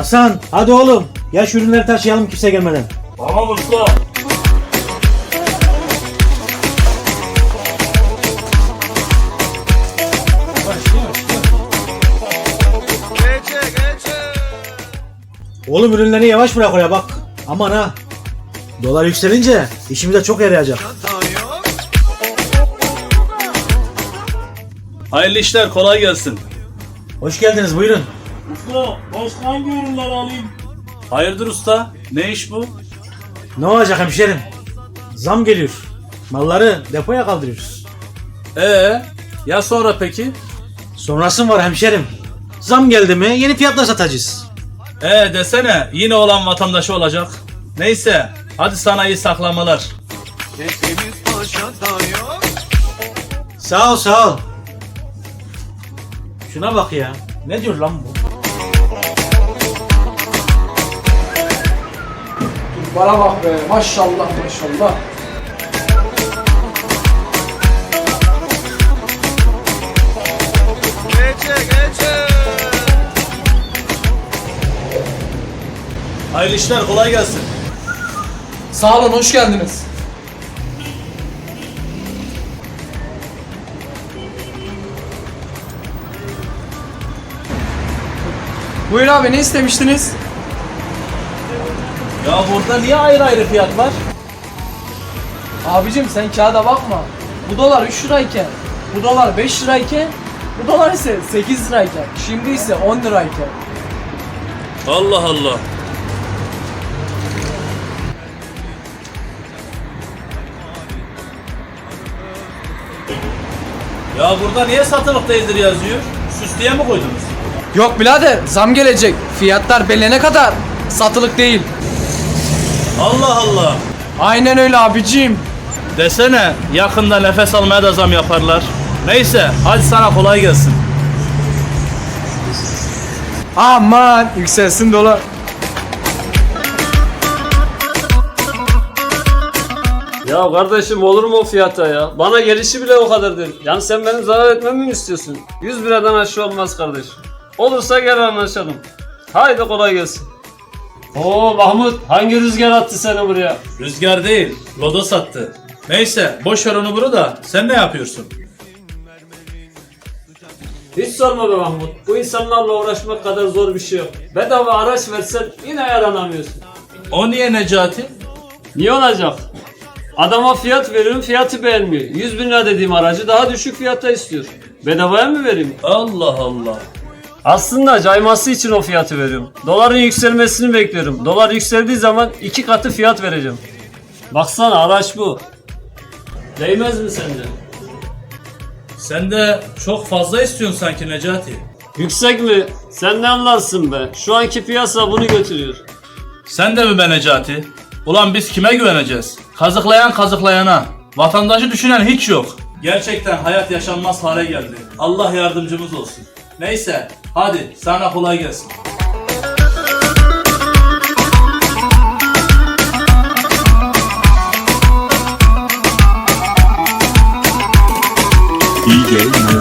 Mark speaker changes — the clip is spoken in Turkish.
Speaker 1: Hasan hadi oğlum. Ya şu ürünleri taşıyalım kimse gelmeden.
Speaker 2: Tamam usta.
Speaker 1: Oğlum ürünleri yavaş bırak oraya bak. Aman ha. Dolar yükselince işimize çok yarayacak.
Speaker 2: Hayırlı işler, kolay gelsin.
Speaker 1: Hoş geldiniz buyurun.
Speaker 2: Usta, başka hangi ürünleri alayım? Hayırdır usta? Ne iş bu?
Speaker 1: Ne olacak hemşerim? Zam geliyor. Malları depoya kaldırıyoruz.
Speaker 2: Ya sonra peki?
Speaker 1: Sonrası mı var hemşerim? Zam geldi mi yeni fiyatla satacağız.
Speaker 2: Desene, yine olan vatandaşı olacak. Neyse, hadi sana iyi saklamalar.
Speaker 1: Sağ ol sağ ol. Şuna bak ya. Ne diyor lan bu?
Speaker 3: Bana bak be, maşallah maşallah.
Speaker 2: Hayırlı işler, kolay gelsin.
Speaker 3: Sağ olun, hoş geldiniz. Buyur abi, ne istemiştiniz?
Speaker 2: Ya burada niye ayrı ayrı fiyat var?
Speaker 3: Abicim sen kağıda bakma. Bu dolar 3 lirayken, bu dolar 5 lirayken, bu dolar ise 8 lirayken, şimdi ise 10 lirayken.
Speaker 2: Allah Allah. Ya burada niye satılık değildir yazıyor? Süslüye mi koydunuz?
Speaker 3: Yok birader, zam gelecek. Fiyatlar belirlene kadar satılık değil.
Speaker 2: Allah Allah.
Speaker 3: Aynen öyle abicim.
Speaker 2: Desene, yakında nefes almaya da zam yaparlar. Neyse, hadi sana kolay gelsin.
Speaker 3: Aman yükselsin dolar.
Speaker 4: Ya kardeşim olur mu o fiyata ya? Bana gelişi bile o kadar değil. Yani sen benim zarar etmemi mi istiyorsun? 100 liradan aşağı olmaz kardeşim. Olursa gel anlaşalım. Haydi kolay gelsin. Oo Mahmut, hangi rüzgar attı seni buraya?
Speaker 2: Rüzgar değil, lodos attı. Neyse, boş ver onu bunu da. Sen ne yapıyorsun?
Speaker 4: Hiç sorma be Mahmut. Bu insanlarla uğraşmak kadar zor bir şey yok. Bedava araç versen yine yaranamıyorsun.
Speaker 2: O niye Necati?
Speaker 4: Niye olacak? Adama fiyat veriyorum, fiyatı beğenmiyor. 100 bin lira dediğim aracı daha düşük fiyata istiyor. Bedavaya mı vereyim?
Speaker 2: Allah Allah.
Speaker 4: Aslında cayması için o fiyatı veriyorum. Doların yükselmesini bekliyorum. Dolar yükseldiği zaman 2 katı fiyat vereceğim. Baksana araç bu. Değmez mi sence?
Speaker 2: Sen de çok fazla istiyorsun sanki Necati.
Speaker 4: Yüksek mi? Sen ne anlarsın be? Şu anki piyasa bunu götürüyor.
Speaker 2: Sen de mi be Necati? Ulan biz kime güveneceğiz? Kazıklayan kazıklayana. Vatandaşı düşünen hiç yok. Gerçekten hayat yaşanmaz hale geldi. Allah yardımcımız olsun. Neyse, hadi sana kolay gelsin.
Speaker 5: DJ